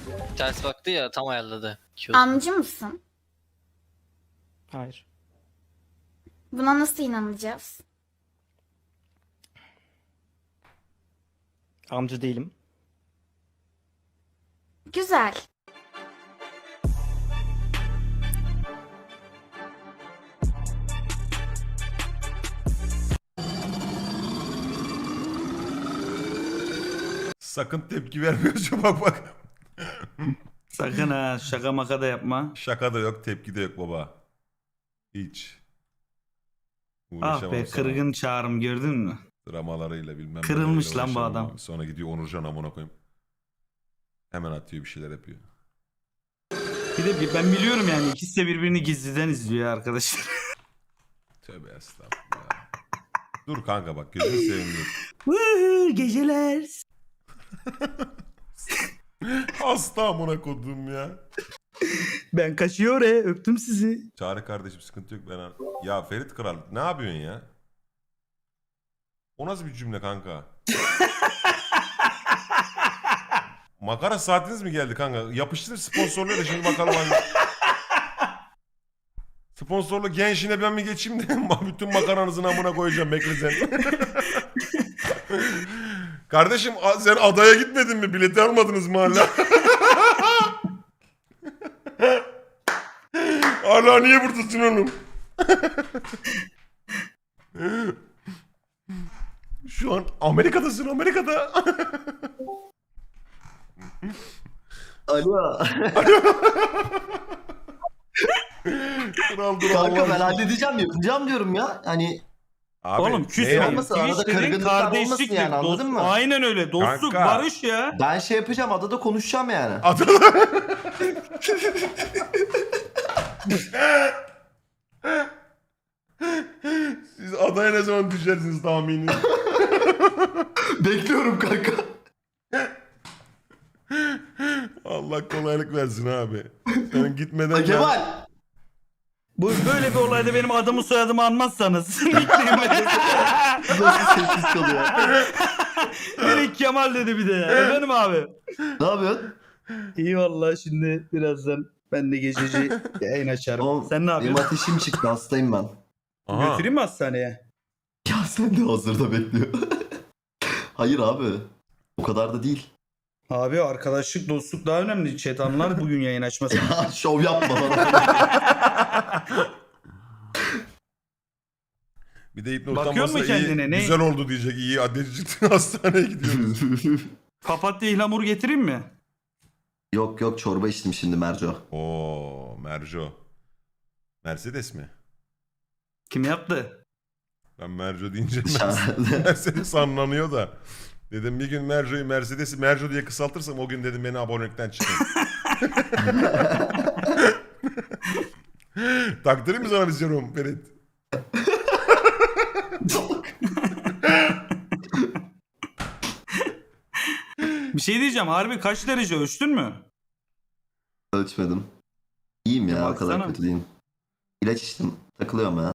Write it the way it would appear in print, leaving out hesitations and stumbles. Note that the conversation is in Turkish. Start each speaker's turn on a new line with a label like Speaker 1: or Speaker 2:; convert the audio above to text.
Speaker 1: Ters baktı ya, tam ayarladı.
Speaker 2: Amcı mısın?
Speaker 3: Hayır.
Speaker 2: Buna nasıl inanacağız?
Speaker 3: Amca değilim.
Speaker 2: Güzel.
Speaker 4: Sakın tepki vermiyorsun bak bak.
Speaker 5: Sakın ha, şaka maka da yapma.
Speaker 4: Şaka da yok, tepki de yok baba. Hiç.
Speaker 5: Ah
Speaker 4: Uğraşamam
Speaker 5: be,
Speaker 4: sana.
Speaker 5: kırgın Çağrım, gördün mü?
Speaker 4: Dramalarıyla bilmem
Speaker 5: Kırılmış
Speaker 4: neleriyle
Speaker 5: lan bu
Speaker 4: uğraşamam
Speaker 5: adam.
Speaker 4: abi. Sonra gidiyor Onurcan amına koyayım. Hemen atıyor, bir şeyler yapıyor.
Speaker 5: Bir de ben biliyorum yani, ikisi de birbirini gizliden izliyor arkadaşlar.
Speaker 4: Tövbe estağfurullah. Dur kanka bak, gözünü seveyim dur.
Speaker 5: Geceler.
Speaker 4: Hasta amına kodum ya.
Speaker 5: Ben kaçıyor öptüm sizi.
Speaker 4: Çağrı kardeşim, sıkıntı yok ben. Ya Ferit Kral ne yapıyorsun ya? O nasıl bir cümle kanka? Makara saatiniz mi geldi kanka? Yapıştır sponsorluğu da şimdi bakalım hani. Sponsorlu gençine ben mi geçeyim de bütün makaranızın amına koyacağım, bekle sen. Kardeşim sen adaya gitmedin mi? Bileti almadınız mı hala? Hala niye buradasın oğlum? Şu an Amerika'dasın, Amerika'da.
Speaker 6: Alo.
Speaker 4: Kral dur
Speaker 6: Kanka
Speaker 4: Allah
Speaker 6: ben
Speaker 4: aşkına.
Speaker 6: halledeceğim, yapacağım diyorum ya. Hani
Speaker 4: Abi,
Speaker 5: Oğlum
Speaker 4: ne
Speaker 5: küsme.
Speaker 4: yani?
Speaker 6: olmasın, arada
Speaker 5: Twitch dedin
Speaker 6: kırgınlıklar
Speaker 5: kardeşliktir.
Speaker 6: olmasın yani, anladın mı?
Speaker 5: Aynen öyle. Dostluk,
Speaker 4: Kanka.
Speaker 5: barış ya.
Speaker 6: ben şey yapacağım, adada konuşacağım yani.
Speaker 4: Adana. Siz adaya ne zaman düşersiniz tahmini?
Speaker 6: Bekliyorum kanka.
Speaker 4: Allah kolaylık versin abi. Sen gitmeden ben...
Speaker 6: Kemal.
Speaker 5: Bu böyle bir olayda benim adımı soyadımı anmazsanız.
Speaker 6: Nasıl sessiz kalıyor?
Speaker 5: Direkt Kemal dedi bir de. Efendim abi.
Speaker 6: Ne yapıyorsun?
Speaker 5: İyi vallahi, şimdi birazdan ben de gececi yayın açarım.
Speaker 6: Oğlum,
Speaker 5: Sen ne
Speaker 6: benim
Speaker 5: yapıyorsun?
Speaker 6: ateşim çıktı, hastayım ben.
Speaker 4: Aha.
Speaker 5: Götüreyim mi hastaneye?
Speaker 6: Ya sen de hazırda bekliyor. Hayır abi. O kadar da değil.
Speaker 5: Abi arkadaşlık, dostluk daha önemli. Chat anlar bugün yayın açması.
Speaker 6: Ya şov yapma bana.
Speaker 4: Bir de
Speaker 5: Bakıyor
Speaker 4: utanmasa
Speaker 5: mu kendine?
Speaker 4: iyi,
Speaker 5: Ne?
Speaker 4: güzel oldu diyecek. İyi adeti çıktı, hastaneye gidiyoruz.
Speaker 5: Papatya ihlamur getireyim mi?
Speaker 6: Yok yok, çorba içtim şimdi Merco.
Speaker 4: Oo, Merco. Mercedes mi?
Speaker 5: Kim yaptı?
Speaker 4: Ben Merco deyince
Speaker 6: Dışarıda.
Speaker 4: Mercedes anlanıyor da. Dedim bir gün Merco'yu Mercedes'i Merco diye kısaltırsam o gün dedim beni abonelikten çıkın. Taktırayım mı sana bir serum Ferit?
Speaker 5: Bir şey diyeceğim. Harbi kaç derece, ölçtün mü?
Speaker 6: Ölçmedim. İyiyim ya, o kadar
Speaker 5: Baksana.
Speaker 6: kötü değilim. İlaç içtim. Takılıyorum ya.